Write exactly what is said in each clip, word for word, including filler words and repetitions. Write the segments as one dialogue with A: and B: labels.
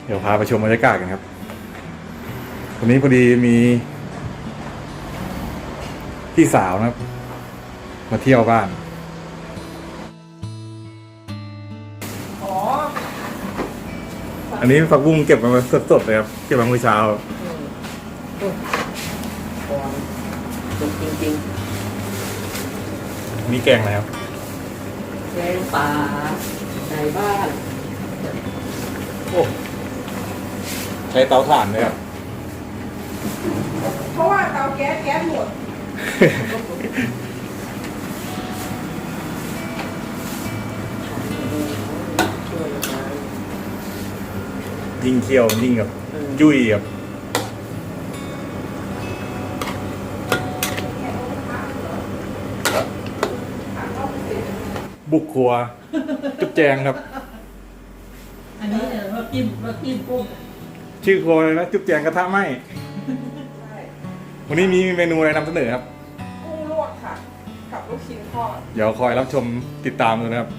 A: ดี๋ยวพาไปชมบรรยากาศกันครับวันนี้พอดีมีพี่สาวนะครับมาเที่ยวบ้านอ๋ออันนี้ผักบุ้งเก็บมาสดๆเลยครับเก็บมาเมื่อเช้า
B: จริงจริง
A: นี่แกงอะไรครับ
B: แกงป่าในบ้าน
A: โอ้ใช้เตาถ่านเลยครับ
C: เพราะว่าเตาแก๊สแก๊สหมด
A: ยิ่งเคี่ยวยิ่งกับยุ่ยครับบุกครัวจุ๊บแจงครับ
B: อันนี้เนี่ยเรากินเรากินกุ้ง
A: ชื่อครัวเลยนะจุ๊บแจงกระทะไหมวันนี้มีเมนูอะไรนำเสนอครับ
C: กุ้งลวกค่ะกับลูกชิ้นทอด
A: เดี๋ยวคอยรับชมติดตามดูนะครับ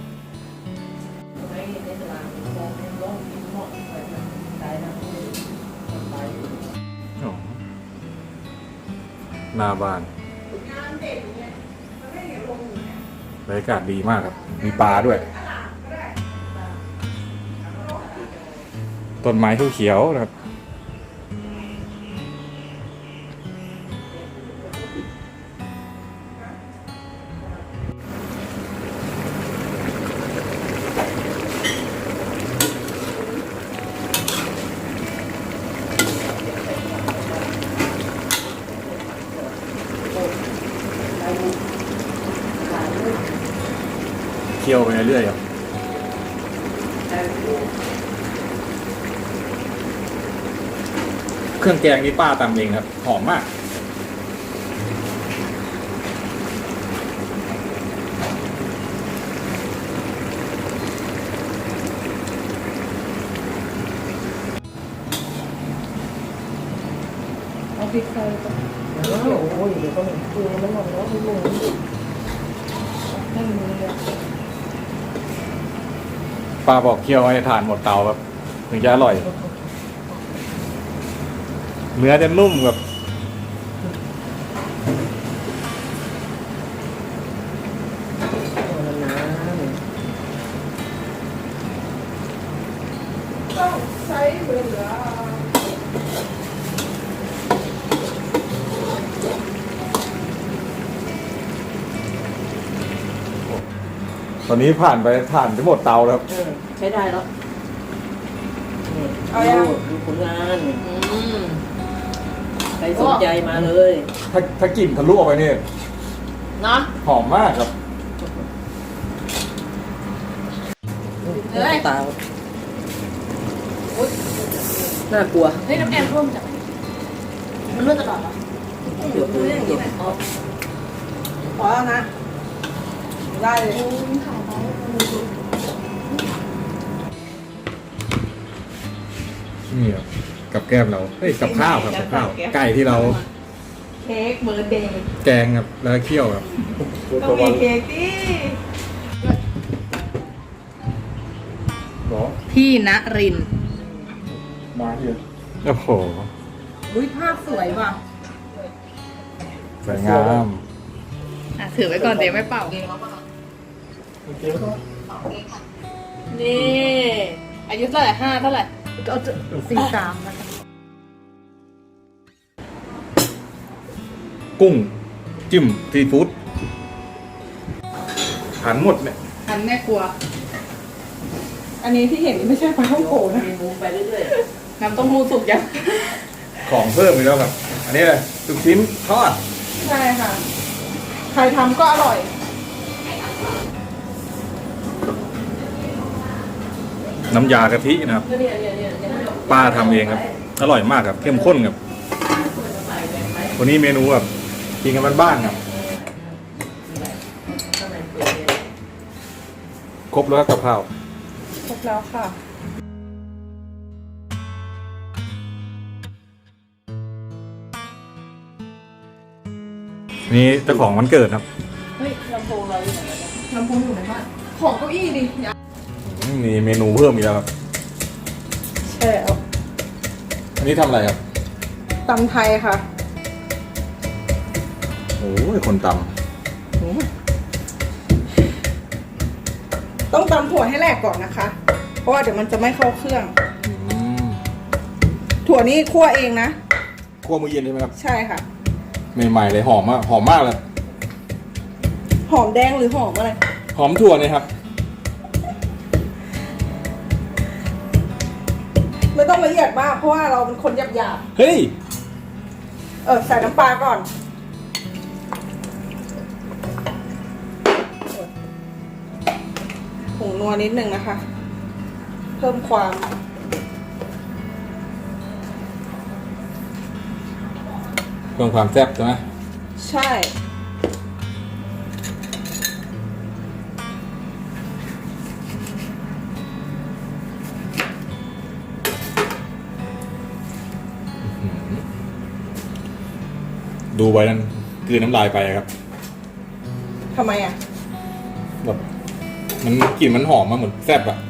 A: หน้าบ้านบรรยากาศดีมากครับมีปลาด้วยต้นไม้เขียวๆนะครับเคี่ยวไปเรื่อยๆครับเครื่องแกงนี่ป้าตำเองครับหอมมาก
C: เอาพริกไทยก่อน
B: โอ้ยเดี๋ยวก็เหม็นคือมันหมดแล้วมันหมด
C: ให้มือเลย
A: ป้าบอกเคี่ยวให้ทานหมดเตาครับถึงจะอร่อยเนื้อจะนุ่มแบบ
C: ต้องใช้เวลา
A: ตอนนี้ผ่านไปผ่านไปหมดเตาแล้วครับ
B: ใช้ได้แล้ว
C: เอายัง
B: ดูผลงานใครสนใจมาเลย
A: ถ้าถ้ากลิ่นทะลุออกไปเนี่ย
C: เนาะ
A: หอมมากครับ
B: เลยตาน่ากลัว
C: เฮ้ยน้ำแอมร่วมจับมันร่วมตลอดเหรอ
B: เดี๋ยวเดี๋ยวเดี๋ยว
C: พอแล้วนะได้เลย
A: นี่ครับกับแก้มเราเฮ้ยกับข้าวครับกับข้าวไก่ที่เรา
C: เค้กเบอร์เดย์
A: แกงครับแล้วเคี่ยวครับ
C: ต้องมีเค้กดิพี่ณริน
A: มาเยอะโอ้โห
C: อุ้ยภาพสวยว่ะ
A: สวยงาม
C: อ่ะถือไว้ก่อนเดี๋ยวไม่เป่านี่อายุเท่าไหร่ห้าเท่าไหร่ก็สี่สามนะ
A: กุ้งจิ้มซีฟู้ดหันหมดเนี่ย
C: หันแม่ครัวอันนี้ที่เห็นนี่ไม่ใช่ปลาท่องโกนะ
B: ไปเรื่อย
C: ๆน้ำเต้มหู้สุกยัง
A: ของเพิ่มไปแล้วครับอันนี้เลยลูกชิ้นทอด
C: ใช่ค่ะใครทำก็อร่อย
A: น้ำยากะทินะครับป้าทำเองครับอร่อยมากครับเข้มข้นครับวันนี้เมนูแบบกินกันบ้านๆครับครบแล้วกับข้าว
C: ครบแล้วค่ะ
A: นี่เจ้าของวันเกิดครับ
C: เฮ้ยลำโพงเราอยู่ไหนลำโพงอยู่ในบ้านของเก้าอี้ดิ
A: มีเมนูเพิ่มอีกแล้วครับ
C: ใช่เอา
A: อันนี้ทำอะไรครับ
C: ตำไทยค่ะ
A: โอ้ยคนต
C: ต้องตำถั่วให้แหลกก่อนนะคะ เพราะว่าเดี๋ยวมันจะไม่เข้าเครื่อง
A: ำอืม
C: ถั่วนี้คั่วเองนะ
A: คั่วมื้อเย็นใช่ไหมครับ
C: ใช่ค่ะ
A: ใหม่ๆเลยหอมมากหอมมากเลย
C: หอมแดงหรือหอมอะไร
A: หอมถั่วเนี่ยครับ
C: ไม่ต้องละเอียดมากเพราะว่าเราเป็นคนหยาบ
A: เฮ้ย
C: ๆเออใส่น้ำปลาก่อนผงนัวนิดนึงนะคะ เพิ่มความ
A: เพิ่มความแซ่บใช่ไหม
C: ใช่
A: ดูไว้นั่นกลืนน้ำลายไปครับ
C: ทำไมอ่ะ
A: แบบมันกลิ่นมันหอมมาเหมือนแซ่บอะ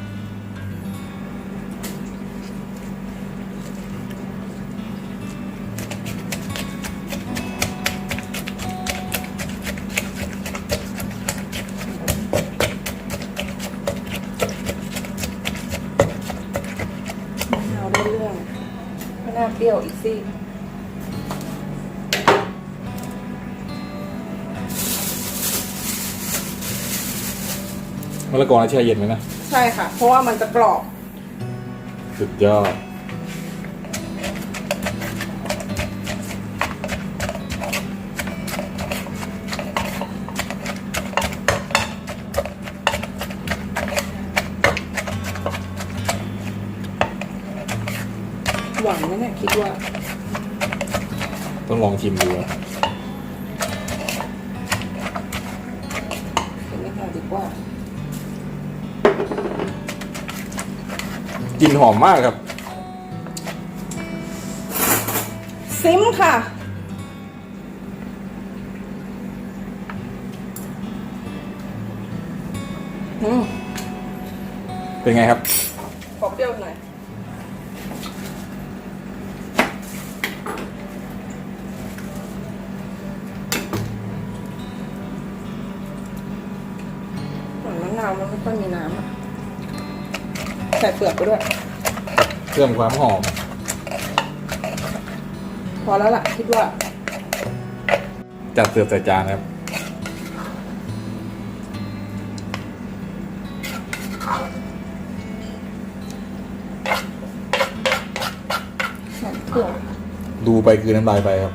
C: เอาได้เรื่องไม่น่าเปรี้ยวอีกสิ
A: มะละกอแช่เย็นไหมนะ
C: ใช่ค่ะ เพราะว่ามันจะกรอบ
A: สุดยอด
C: หวานไหมเนี่ยคิดว่า
A: ต้องลองชิมดูครับ
C: เป็นไม่ค่ะดีกว่า
A: กลิ่นหอมมากครับ
C: ซิมค่ะ อืม
A: เป็นไงครับ
C: ขอเปรี้ยวหน่อย เหมือนมะนาวมันไม่ค่อยมีน้ำอ่ะ ใส่เปลือกไปด้วย
A: เพิ่มความหอม
C: พอแล้วล่ะ คิดว่า
A: จัดเสิร์ฟใส่จานครับ
C: ใส่เปลือก
A: ดูไปคือน้ำลายไปครับ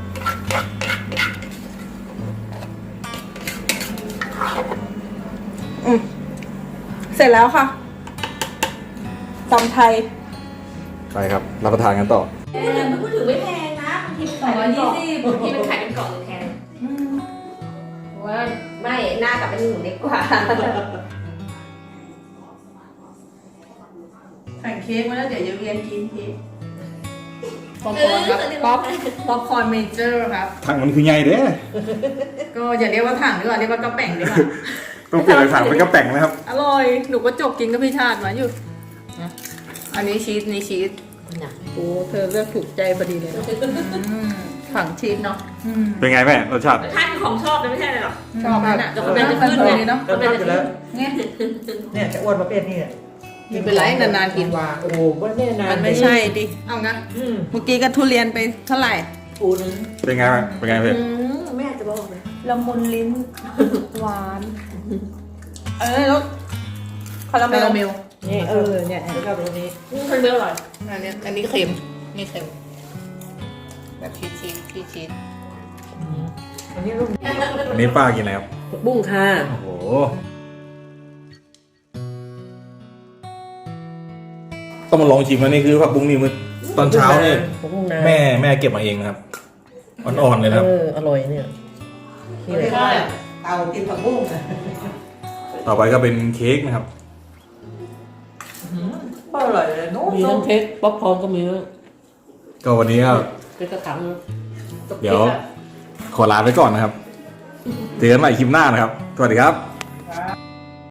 C: อืมเสร็จแล้วค่ะตำไทย
A: ไปครับ รับประทานกันต่อ
B: เออมันพูดถึงไม่แพงนะบางทีสองร้อยยี่สิบบางทีมันขายเป็นกล่องเลยแพงว่าไม่หน้ากับเป็นหนูเล็กกว่า
C: สั่งเค้กมาแล้วเดี๋ยวจะเวียนกินเค้กป๊อปคอร์นครับป๊อปป๊อปคอร์นเมเจอร์ครับ
A: ถังมันคือไงเด้
C: ก็อย่าเรียกว่าถังดีกว่าเรียกว่ากระแป่งดีกว่า
A: ต้องเปลี่ยนจากถังเป็นกระแป๋งนะครับ
C: อร่อย หนูก็จบกินกับพี่ชาติมาอยู่นะอันนี้ชีสนี่ชีส
B: น่ะ
C: โอ้เธอเลือกถูกใจพอดีเลยเนาะอืมฝังชีสเนาะอืม
A: เป็นไงแม่รสชาติ
B: ท่านของชอบเลยไม่ใช่เลยหรอ
C: ชอบนั่นอ่ะ
B: เดี๋ยวกำลังจะขึ้นเลย
C: เนาะ
B: กำลังจะขึ้น
C: เนี่ย
D: เนี่ยจะอ้วนประเภทนี้เนี่ย
C: ไม่เป็นไรนานๆกิน
D: ว่าโอ้โหว่าแน่นาน
C: มันไม่ใช่ดิ เอางั้น
D: อืม
C: เมื่อกี้ก็ทุเรียนไปเท่าไหร่
D: ปูนึง
A: เป็นไงแม่เป็นไงเพื่อน
B: อืมแม่จะบอกเลย
C: ละมุนลิ้น หวาน เออแล้วคาราเมล
D: นี่เออเนี่ยแล้วก็ตรงนี้
B: อืมคนเดียวอร่อย
C: อันนี้อันนี้เค็มนี่เค็มแบบชีสชีสชีสชีส
D: อันนี้รุ่น
A: อันนี้ป้ากินอะไรครับ
B: บุ้งค่ะ
A: โอ้โห ต้องมาลองชิมอันนี้คือผักบุ้งนี่มันตอนเช้าเนี่ย
D: บุ้งนา
A: แม่แม่เก็บมาเองนะครับ อ่อนๆเลยนะครับ
D: เอออร่อยเนี่ยนี่เลย
C: เตากินผักบุ้ง
A: ต่อไปก็เป็นเค้กนะครับ
C: อร่อยเลยนู้
D: มีทั้งเค้กป๊อปคอร์นก็มีด้วย
A: ก็วันนี้ก็
D: เป็นกระถาง
A: เดี๋ยวขอลาไปก่อนนะครับ เจอกันใหม่คลิปหน้านะครับ สวัสดีครับ